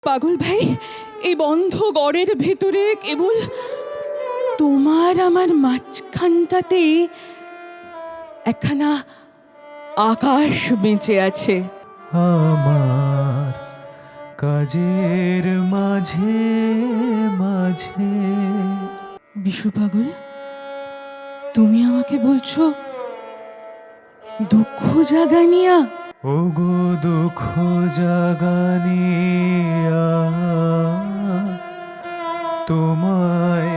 পাগল ভাই, এই বন্ধ গড়ের ভেতরে কেবল তোমার আমার মাঝখানটাতে একখানা আকাশ বেঁচে আছে। আমার কাজের মাঝে মাঝে। বিশু পাগল, তুমি আমাকে বলছো দুঃখ জাগানিয়া? ওগো দুঃখ জাগানিয়া তোমায়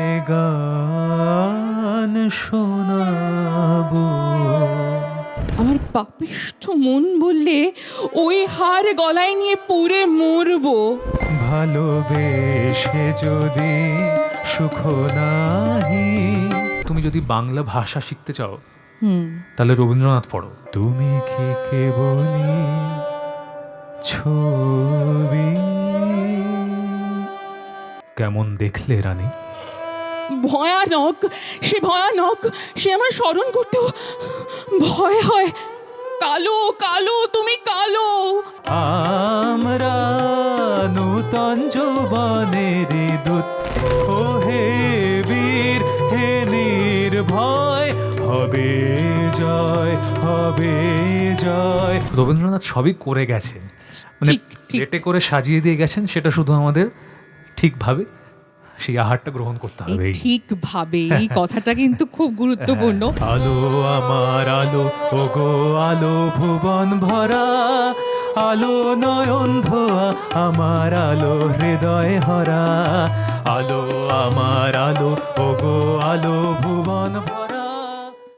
গান শোনাবো। আমার পাপিষ্ঠ মন বললে ওই হার গলায় নিয়ে পুড়ে মরবো। ভালোবেসে যদি সুখ নাহি। তুমি যদি বাংলা ভাষা শিখতে চাও তাহলে রবীন্দ্রনাথ পড়ো। তুমি কি কেবলি ছবি? কেমন দেখলে রানী? ভয়ানক, সে ভয়ানক, সে আমার স্মরণ করতেও ভয় হয়। কালো কালো, তুমি কালো। আমরা নূতন যৌবনের দূত, ও হে বীর হে নির্ভয়, হবে জয় হবে জয়। রবীন্দ্রনাথ সবই করে গেছেন, মানে ঠিক, ঠিক। প্লেটে করে সাজিয়ে দিয়ে গেছেন। সেটা শুধু আমাদের ঠিকভাবে সেই আহারটা গ্রহণ করতে এই হবে। ঠিকভাবে, এই কথাটা কিন্তু খুব গুরুত্বপূর্ণ। আলো আমার আলো, ওগো আলো ভুবন ভরা, আলো নয়ন ধোয়া আমার আলো হৃদয় হরা, আলো আমার আলো, ওগো আলো ভুবন ভরা।